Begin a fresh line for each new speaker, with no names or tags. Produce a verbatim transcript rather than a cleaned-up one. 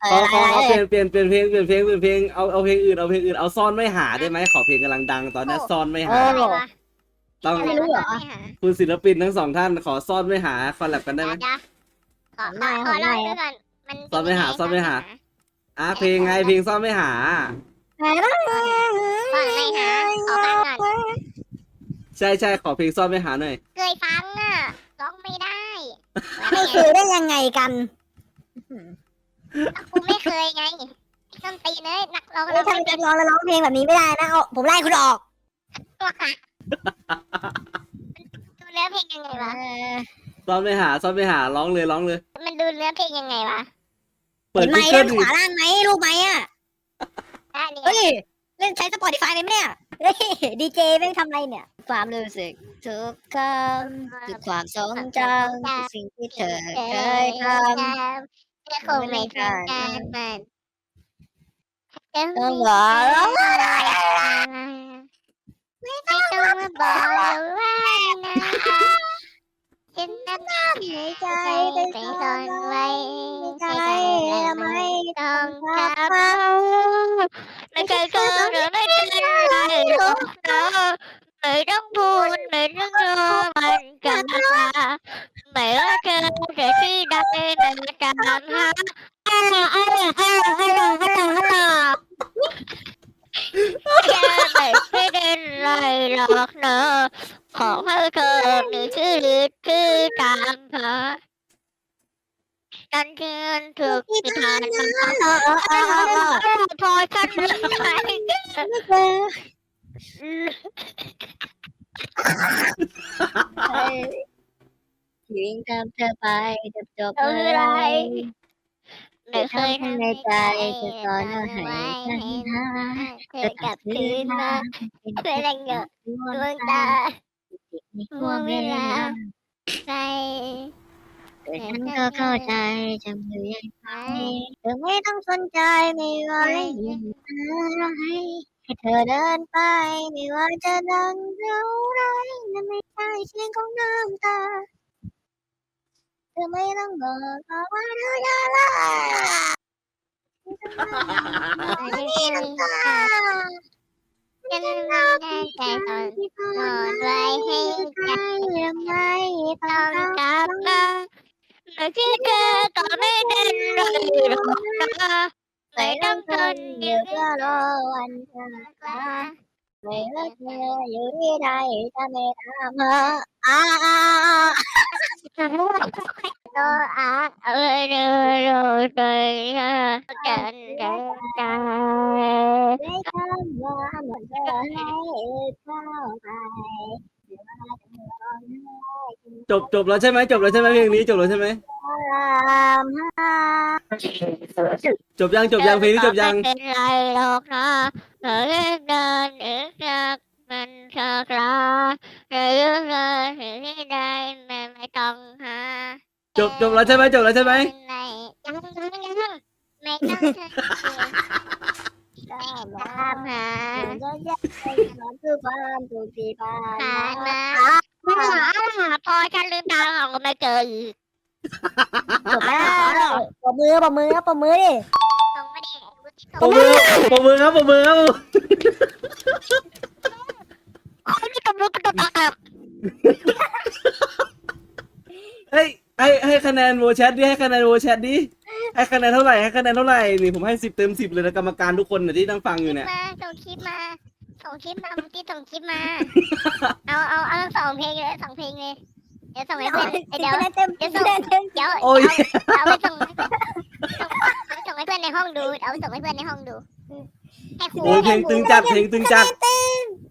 ขอขอขอเปลี่ยนเปลี่ยนเปลี่ยนเพลงเปลี่ยนเพลงเปลี่ยนเพลงเอาเอาเพลงอื่นเอาเพลงอื่นเอาซ่อนไม่หาได้ไหมขอเพลงกำลังดังตอนนี้ซ่อนไม่หาต้อง
ไม่รู้เหรอ
คุณศิลปินทั้งสองท่านขอซ่อนไม่หาคอลแลบกันได้ไหม
ขอได้ขอได้ก่อนมัน
ซ่อนไม่หาซ่อนไม่หาอ่ะเพลงไงเพลงซ่อนไม่หา
ซ่อนไม่หาขอฟังก่อน
ใช่ใช่ขอเพลงซ่อนไม่หาหน่อย
เคยฟังอ่ะร้องไม่ได้
ไม่เคยได้ยังไงกัน
กูไม่เคยไงต้นตีเลยนักร้อง
เฮ้ยถ้าเป็นร้องแล้วร้องเพลงแบบนี้ไม่ได้นะเอาผมไล่คุณออก
ตัวค่ะดูเนื้อเพลงยังไงวะ
ซ่อนไม่หาซ่อนไม่หาร้องเลยร้องเลย
มันดูเนื้อเพลงยังไงวะ
เปิ
เห็
ด
นไหม
กูเกิ
ด้า
ล
นขวาล่างไหมรูปไหมอ่ะ
ได้เนี่ย
เฮ้ยเล่นใช้ Spotify ไหมเนี่ยเฮ้ยดีเจแม่งทำอะไรเนี่ย ความรู้สึกทุกคำคือความทรงจำคือสิ่งที่เธอเคยทำ
เธอคงไม่ทำการมัน
ต้องบอกแล้ว
ไม่ต้องมาบอกว่านะฉันนั้นในใจไปซ่อนไว้ใจและไม่ต้องกลับมาไม่เคยเจอหรือไม่เป็นไรหรอกนะไม่ต้องพูดไม่ต้องรอมันกลับมาไม่ว่าเธอจะที่ใดในการหาฮัลโหลฮัลโหลฮัลโหลฮัลโหลฮัลโหลฮัลโหลแค่ไม่เป็นไรหรอกเนอะขอให้เธอมีชื่อหรือคือตามเธอกันเกินถูกที่ผ่านมาพอฉันไม่ไป
วิ่งตามเธอไปจบจบ
เอาอะไรไม่เคย
ทำในใจจะสอนเอาให้ฉันหา
เธอกลับคืนมาเพื่อแรงเงาดวงตา
ในห่วงเวลา
ใจ
แต่ฉันก็เข้าใจจำเลยยังไงเธอไม่ต้องสนใจไม่ว่ายิ่งอะไรให้เธอเดินไปไม่ว่าจะดังเท่าไรนั่นไม่ใช่เสียงของน้ำตาเธอไม่ต้องบอกว่าเธอจะรักไม่มีน้ำตา
ฉันไม่ได้ใจตอนนอนไว้ให้ใจ
ยังไง
ต้องกลับมาไม่คิดเธอก็ไม่เป็นไรหรอกนะไม่ต้องทนอ
เดี๋ย
ยู่
วก็รอวันเธอกลับไม่ว่าเธออยู่ที่ใดจะไม่ตามหาอ่า
โตอาเออเออเออใจกันกันกัน
ไม่ทำว่าหมดเธอให้เข้าไป
จบจบแล้วใช่ไหมจบแล้วใช่ไหมเพลงนี้จบแล้วใช่ไหม
ตามหา
จบยังจบยังเพลงนี้จบยัง
ไม่เป็นไรหรอกนะเธอเดินเดินเออจากมันสักลาเธอเดินเดินถึงที่ใดไม่ไม่ต้องหา
จบจบแล้วใช่ไหมจบแล้วใช่ไหม
ไม่ยังยังยังไม่ต้องเธอตามหา
จะแยกไปนอนคือความถูกที่ผ่าน
ผ่าน
มา
มาพอฉันลืมตาออกก็ไม่เจออีก
จบแล้วปมมือปมมือปมมือดิ
ตรงไม่ได้
ปรบมือปรบมือครับปรบมือครับ
คนที่กำลังกระโดดออก
เฮ้ยให้ให้คะแนนโวแชทดิให้คะแนนโวแชทดิให้คะแนนเท่าไหร่ให้คะแนนเท่าไหร่นี่ผมให้สิบเต็มสิบเลยนะกรรมการทุกคนเนี่ยที่นั่งฟังอยู่เนี่ย
มาส่งคลิปมาส่งคลิปมาเมื่อกี้ส่งคลิปมา เอาเอาเอาสองเพลงเลยสองเพลงเลยเดี๋ยวส่งให้เพื่อนเดี๋ยว
เต็ม
เดี๋ยว
เต็
ส่ง
มเต็ม
เดี๋ยว
โอ้ย
เอาไปส่งให้เพื่อนส่งให้เพื่อนในห้องดูเอาไปส่งให้เพื่อนในห้องดูให้ครู
โอ้ยเพลงตึงจัดเพลงตึงจัด
เต็